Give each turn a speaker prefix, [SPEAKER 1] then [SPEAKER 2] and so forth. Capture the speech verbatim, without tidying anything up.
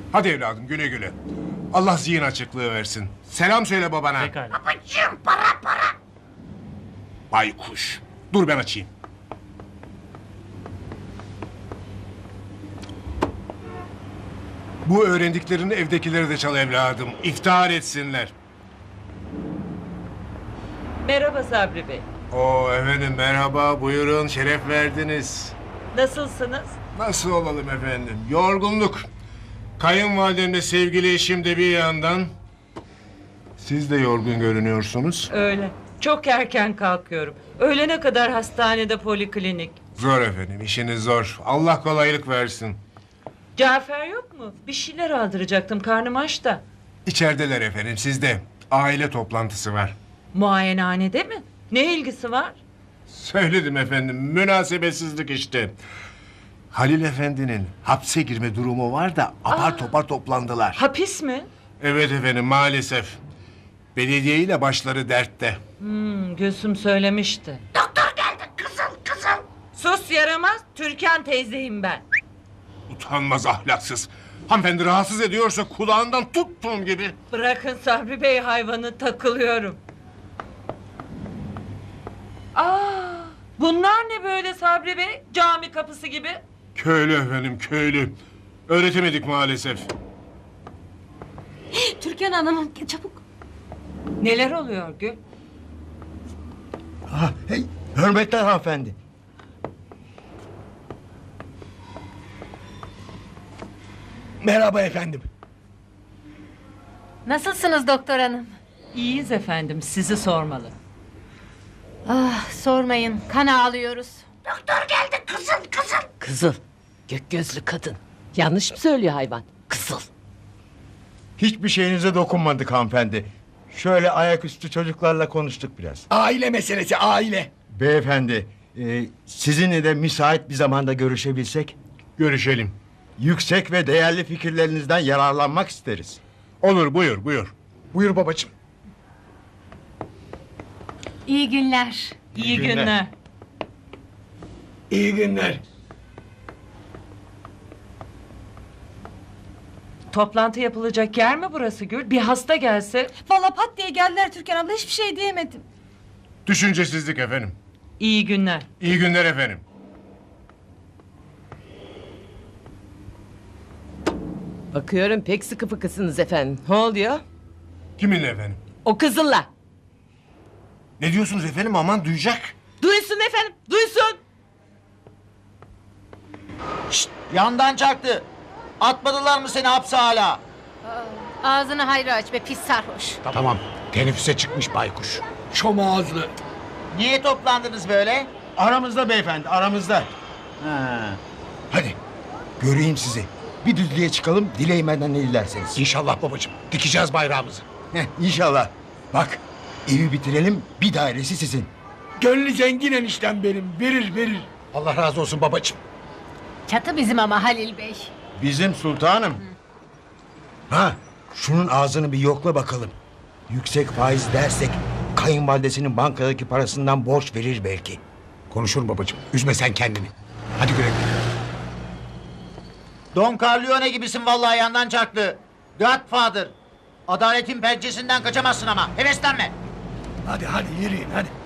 [SPEAKER 1] Hadi evladım güle güle. Allah zihin açıklığı versin. Selam söyle babana.
[SPEAKER 2] Pekala.
[SPEAKER 3] Babacığım para para.
[SPEAKER 1] Baykuş. Dur ben açayım. Bu öğrendiklerini evdekileri de çal evladım. İftihar etsinler.
[SPEAKER 4] Merhaba Sabri Bey.
[SPEAKER 1] Oo efendim merhaba, buyurun, şeref verdiniz.
[SPEAKER 4] Nasılsınız?
[SPEAKER 1] Nasıl olalım efendim? Yorgunluk. Kayınvalidemle sevgili eşim de bir yandan. Siz de yorgun görünüyorsunuz.
[SPEAKER 4] Öyle. Çok erken kalkıyorum. Öğlene kadar hastanede poliklinik.
[SPEAKER 1] Zor efendim, işiniz zor. Allah kolaylık versin.
[SPEAKER 4] Cafer yok mu? Bir şeyler aldıracaktım. Karnım aç da.
[SPEAKER 1] İçerideler efendim, sizde. Aile toplantısı var.
[SPEAKER 4] Muayenehanede mi? Ne ilgisi var?
[SPEAKER 1] Söyledim efendim, münasebetsizlik işte. Halil Efendi'nin hapse girme durumu var da apar
[SPEAKER 4] Aa.
[SPEAKER 1] topar toplandılar.
[SPEAKER 4] Hapis mi?
[SPEAKER 1] Evet efendim, maalesef. Belediye ile başları dertte.
[SPEAKER 4] Hmm, Gülsüm söylemişti.
[SPEAKER 3] Doktor geldi kızıl kızıl.
[SPEAKER 4] Sus yaramaz. Türkan teyzeyim ben.
[SPEAKER 1] Utanmaz, ahlaksız. Hanımefendi rahatsız ediyorsa kulağından tuttuğum gibi.
[SPEAKER 4] Bırakın Sabri Bey hayvanı, takılıyorum. Aa, bunlar ne böyle Sabri Bey? Cami kapısı gibi.
[SPEAKER 1] Köylü efendim, köylü. Öğretemedik maalesef.
[SPEAKER 5] Türkan Hanım çabuk.
[SPEAKER 4] Neler oluyor Gül?
[SPEAKER 6] Ah, hey, hürmetler hanımefendi. Merhaba efendim.
[SPEAKER 5] Nasılsınız doktor hanım?
[SPEAKER 4] İyiyiz efendim, sizi sormalı.
[SPEAKER 5] Ah sormayın, kan ağlıyoruz.
[SPEAKER 3] Doktor geldi kızıl kızıl.
[SPEAKER 7] Kızıl. Gök gözlü kadın. Yanlış mı söylüyor hayvan? Kızıl.
[SPEAKER 6] Hiçbir şeyinize dokunmadık hanımefendi. Şöyle ayaküstü çocuklarla konuştuk biraz.
[SPEAKER 8] Aile meselesi aile.
[SPEAKER 6] Beyefendi, e, sizinle de müsait bir zamanda görüşebilsek...
[SPEAKER 1] Görüşelim.
[SPEAKER 6] ...yüksek ve değerli fikirlerinizden yararlanmak isteriz.
[SPEAKER 1] Olur, buyur, buyur.
[SPEAKER 8] Buyur babacığım.
[SPEAKER 5] İyi günler.
[SPEAKER 4] İyi
[SPEAKER 6] günler.
[SPEAKER 4] günler.
[SPEAKER 8] İyi günler.
[SPEAKER 4] Toplantı yapılacak yer mi burası Gül? Bir hasta gelse.
[SPEAKER 5] Vallahi pat diye geldiler Türkan abla, hiçbir şey diyemedim.
[SPEAKER 1] Düşüncesizlik efendim.
[SPEAKER 4] İyi günler.
[SPEAKER 1] İyi günler efendim.
[SPEAKER 7] Bakıyorum pek sıkı fıkısınız efendim. Ne oluyor?
[SPEAKER 1] Kiminle efendim?
[SPEAKER 7] O kızılla.
[SPEAKER 1] Ne diyorsunuz efendim, aman duyacak.
[SPEAKER 7] Duysun efendim, duysun.
[SPEAKER 9] Yandan çaktı. Atmadılar mı seni hapse hala?
[SPEAKER 5] Ağzını hayra aç be pis sarhoş.
[SPEAKER 8] Tamam. Teneffüse çıkmış baykuş. Şom ağızlı.
[SPEAKER 9] Niye toplandınız böyle?
[SPEAKER 6] Aramızda beyefendi, aramızda.
[SPEAKER 9] Ha.
[SPEAKER 6] Hadi, göreyim sizi. Bir düzlüğe çıkalım, dileğimden ne dilerseniz.
[SPEAKER 8] İnşallah babacığım. Dikeceğiz bayrağımızı.
[SPEAKER 6] Heh, İnşallah. Bak, evi bitirelim, bir dairesi sizin.
[SPEAKER 8] Gönlü zengin eniştem benim. Verir verir. Allah razı olsun babacığım.
[SPEAKER 5] Çatı bizim ama Halil Bey.
[SPEAKER 6] Bizim sultanım. Ha, şunun ağzını bir yokla bakalım. Yüksek faiz dersek kayınvalidesinin bankadaki parasından borç verir belki.
[SPEAKER 8] Konuşurum babacığım. Üzme sen kendini. Hadi güle güle.
[SPEAKER 9] Don Corleone gibisin vallahi yandan çaktı. Godfather. Adaletin pençesinden kaçamazsın ama. Heveslenme.
[SPEAKER 8] Hadi hadi yürüyün hadi.